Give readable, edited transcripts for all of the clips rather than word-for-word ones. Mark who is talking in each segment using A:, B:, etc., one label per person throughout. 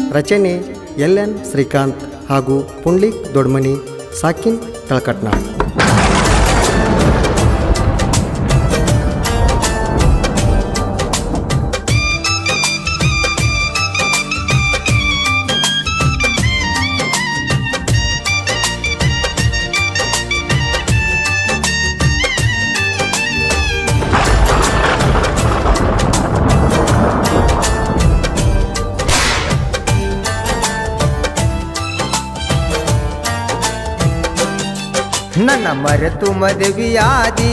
A: ರಚನೆ LN ಶ್ರೀಕಾಂತ್ ಹಾಗೂ ಪುಂಡ್ಲಿಕ್ ದೊಡ್ಮನಿ ಸಾಕಿನ್ ತಳಕಟ್ನಾಳ್.
B: ನನ್ನ ಮರೆತು ಮದುವೆಯಾದಿ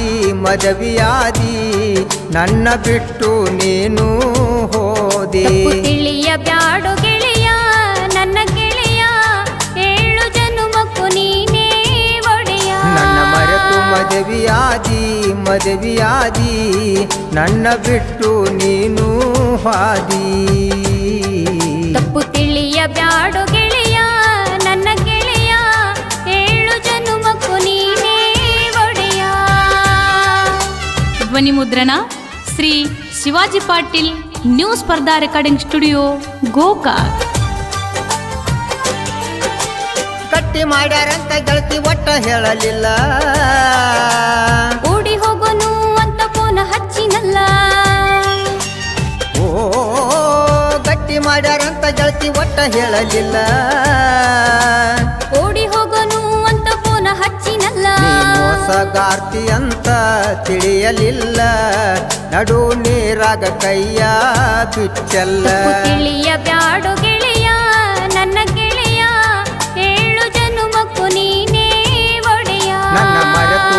B: ನನ್ನ ಬಿಟ್ಟು ನೀನು ಹೋದೆ.
C: ತಿಳಿಯ ಬ್ಯಾಡು ಗೆಳೆಯ ನನ್ನ ಗೆಳೆಯ, 7 ಜನುಮಕ್ಕೂ ನೀನೇ ಒಡೆಯ.
B: ನನ್ನ ಮರೆತು ಮದುವೆಯಾದಿ ನನ್ನ ಬಿಟ್ಟು ನೀನು ಹಾದಿ.
C: ತಪ್ಪು ತಿಳಿಯ ಬ್ಯಾಡು ಗೆಳೆಯ ನನ್ನ ಗೆಳೆಯ, 7 ಜನುಮಕ್ಕೂ ನೀನೇ ಒಡೆಯ.
D: ಧ್ವನಿ ಮುದ್ರಣ Shri Shivaji Patil, new Spardha recording studio, Gokak.
B: ಕಟ್ಟಿ ಮಾಡ್ಯಾರಂತ ಗೆಳತಿ ಒಟ್ಟ ಹೇಳಲಿಲ್ಲ,
C: ಓಡಿ ಹೋಗೋನು ಅಂತ ಫೋನ್ ಹಚ್ಚಿನಲ್ಲ.
B: ಓ ಗಟ್ಟಿ ಮಾಡ್ಯಾರಂತ ಗೆಳತಿ ಒಟ್ಟ ಹೇಳಲಿಲ್ಲ,
C: ಓಡಿ ಹೋಗೋನು ಅಂತ ಫೋನ್ ಹಚ್ಚಿನಲ್ಲ.
B: ಮೋಸಗಾರ್ತಿ ಅಂತ ತಿಳಿಯಲಿಲ್ಲ, ನಡು ನೀರಾಗ ಕೈಯ ಬಿಚ್ಚಲ್ಲ.
C: ತಿಳಿಯ ಬ್ಯಾಡು ಗೆಳೆಯ ನನ್ನ ಗೆಳೆಯ, 7 ಜನುಮಕ್ಕೂ ನೀನೇ ಒಡೆಯ.
B: ನನ್ನ ಮರೆತು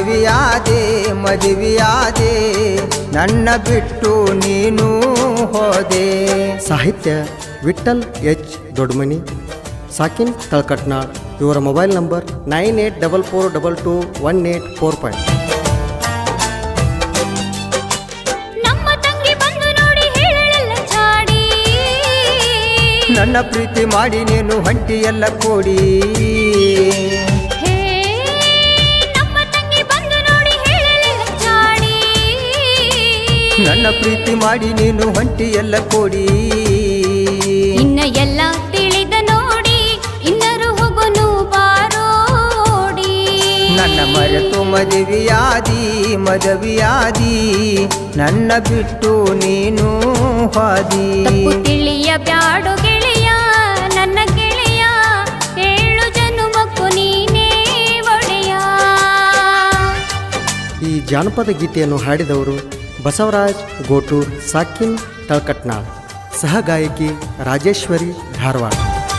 B: ಮದುವೆಯಾದೆ ನನ್ನ ಬಿಟ್ಟು ನೀನು ಹೋದೆ.
A: ಸಾಹಿತ್ಯ ವಿಠ್ಠಲ್ H ದೊಡ್ಮನಿ, ಸಾಕಿನ್ ತಳಕಟ್ನಾಳ್. ಇವರ ಮೊಬೈಲ್ ನಂಬರ್ 9844221845.
C: ನಮ್ಮ ತಂಗಿ ಬಂದು ನೋಡಿ ಹೇಳಲ್ಲ ಚಾಡಿ,
B: ನನ್ನ ಪ್ರೀತಿ ಮಾಡಿ ನೀನು ಹೊಂಟಿ ಎಲ್ಲ ಕೂಡಿ.
C: ಹೇ ನಮ್ಮ ತಂಗಿ ಬಂದು ನೋಡಿ ಹೇಳಲ್ಲ ಚಾಡಿ,
B: ನನ್ನ ಪ್ರೀತಿ ಮಾಡಿ ನೀನು ಹೊಂಟಿ ಎಲ್ಲ ಕೂಡಿ.
C: ಇನ್ನ ಎಲ್ಲ ತಿಳಿದ ನೋಡಿ ಇನ್ನರು ಹೋಗೋನು ಬಾರೋಡಿ.
B: ನನ್ನ ಮರೆತು ಮದುವೆಯಾದಿ ನನ್ನ ಬಿಟ್ಟು ನೀನು ಹಾದಿ.
C: ತಪ್ಪು ತಿಳಿಯ ಬ್ಯಾಡು ಗೆಳೆಯ ನನ್ನ ಗೆಳೆಯ, 7 ಜನುಮಕ್ಕೂ ನೀನೇ ಒಡೆಯ.
A: ಈ ಜಾನಪದ ಗೀತೆಯನ್ನು ಹಾಡಿದವರು ಬಸವರಾಜ್ ಗೋಟೂರ್, ಸಾಕಿನ್ ತಳಕಟ್ನಾಳ್. ಸಹ ಗಾಯಕಿ ರಾಜೇಶ್ವರಿ ಧಾರವಾಡ.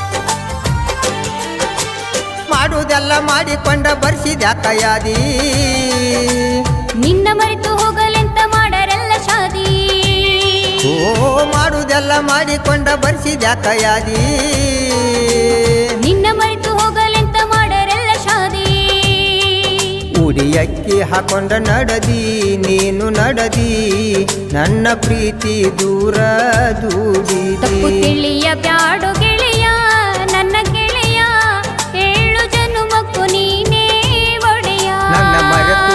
B: ಮಾಡುವುದೆಲ್ಲ ಮಾಡಿಕೊಂಡ ಬರ್ಸಿದ್ಯಾಕ ಯಾದಿ,
C: ನಿನ್ನ ಮರೆತು ಹೋಗಲೆಂತ ಮಾಡರೆಲ್ಲ ಶಾದಿ.
B: ಓ ಮಾಡುವುದೆಲ್ಲ ಮಾಡಿಕೊಂಡ ಬರ್ಸಿದ್ಯಾಕ ಯಾದಿ,
C: ನಿನ್ನ ಮರೆತು ಹೋಗಲೆಂತ ಮಾಡರೆಲ್ಲ ಶಾದಿ.
B: ಉಡಿ ಅಕ್ಕಿ ಹಾಕೊಂಡ ನಡದಿ ನೀನು ನಡದಿ, ನನ್ನ ಪ್ರೀತಿ ದೂರ ದೂಡಿ.
C: ತಪ್ಪು ತಿಳಿಯ ಬ್ಯಾಡು ಗೆಳೆಯ ನನ್ನ ಗೆಳೆಯ, 7 ಜನುಮಕ್ಕೂ ನೀನೇ ಒಡೆಯ.
B: ನನ್ನ ಮರೆತು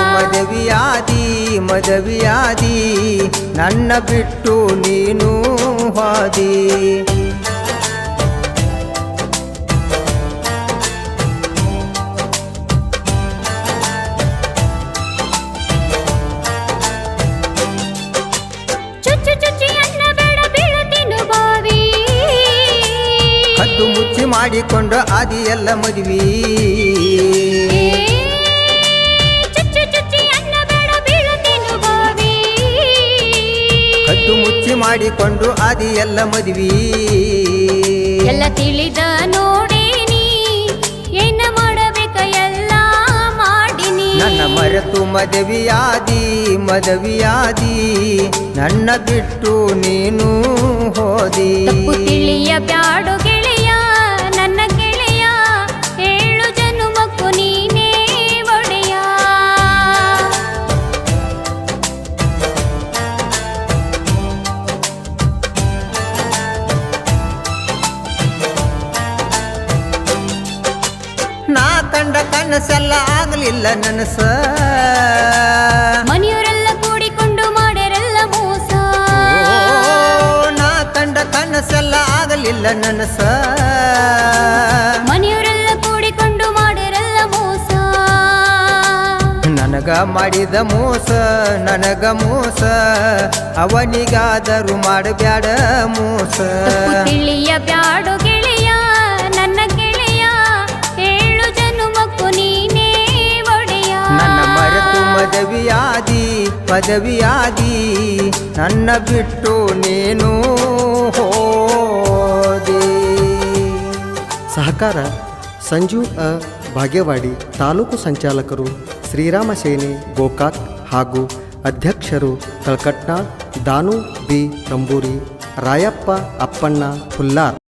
B: ಮದುವೆಯಾದಿ ನನ್ನ ಬಿಟ್ಟು ನೀನು ಹಾದಿ.
C: ಚುಚ್ಚು ಚುಚ್ಚಿ ಅನ್ನ ಬೇಡ ಬೀಳತಿನು ಬಾವಿ,
B: ಕದ್ದು ಮುಚ್ಚಿ ಮಾಡಿಕೊಂಡು ಆದಿ ಎಲ್ಲ ಮದುವೆ.
C: ಚುಚ್ಚು ಚುಚ್ಚಿ ಅನ್ನ ಬೇಡ ಬೀಳತಿನು ಬಾವಿ,
B: ಕದ್ದು ಮುಚ್ಚಿ ಮಾಡಿಕೊಂಡು ಆದಿ ಎಲ್ಲ ಮದುವೆ.
C: ಎಲ್ಲ ತಿಳಿದ ನೋಡೇನಿ, ಏನ ಮಾಡಬೇಕ ಎಲ್ಲ ಮಾಡಿನಿ.
B: ನನ್ನ ಮರೆತು ಮದುವೆಯಾದಿ ನನ್ನ ಬಿಟ್ಟು ನೀನು ಹೋದಿ.
C: ತಪ್ಪು ತಿಳಿಯ ಬ್ಯಾಡು ಗೆಳೆಯ ನನ್ನ ಗೆಳೆಯ, 7 ಜನುಮಕ್ಕೂ ನೀನೇ ಒಡೆಯ.
B: ನಾ ಕಂಡ ಕನಸೆಲ್ಲ ಆಗಲಿಲ್ಲ ನನಸ,
C: ಮನೆಯವರೆಲ್ಲ ಕೂಡಿಕೊಂಡು ಮಾಡ್ಯಾರೆಲ್ಲ ಮೋಸ.
B: ನಾ ಕಂಡ ಕನಸೆಲ್ಲ ಆಗಲಿಲ್ಲ ಆಗಲಿಲ್ಲ ನನಸ
C: ಮನೆಯವರೆಲ್ಲ ಕೂಡಿಕೊಂಡು ಮಾಡಿರಲ್ಲ ಮೋಸ
B: ನನಗ ಮಾಡಿದ ಮೋಸ ನನಗ ಮೋಸ ಅವನಿಗಾದರೂ ಮಾಡಬ್ಯಾಡ ಮೋಸ
C: ತಪ್ಪು ತಿಳಿಯ ಬ್ಯಾಡು ಗೆಳೆಯ ನನ್ನ ಗೆಳೆಯ ಏಳು ಜನುಮಕ್ಕೂ ನೀನೇ ಒಡೆಯ
B: ನನ್ನ ಮರೆತು ಪದವಿಯಾದಿ ನನ್ನ ಬಿಟ್ಟು ನೀನು ಹೋದೆ.
A: ಸಹಕಾರ ಸಂಜು ಭಾಗ್ಯವಾಡಿ ತಾಲೂಕು ಸಂಚಾಲಕರು ಶ್ರೀರಾಮ ಸೇನೆ ಗೋಕಾಕ್ ಹಾಗೂ ಅಧ್ಯಕ್ಷರು ತಳಕಟ್ನಾಳ್ ದಾನು ಬಿ ತಂಬೂರಿ ರಾಯಪ್ಪ ಅಪ್ಪಣ್ಣ ಹುಲ್ಲಾರ್.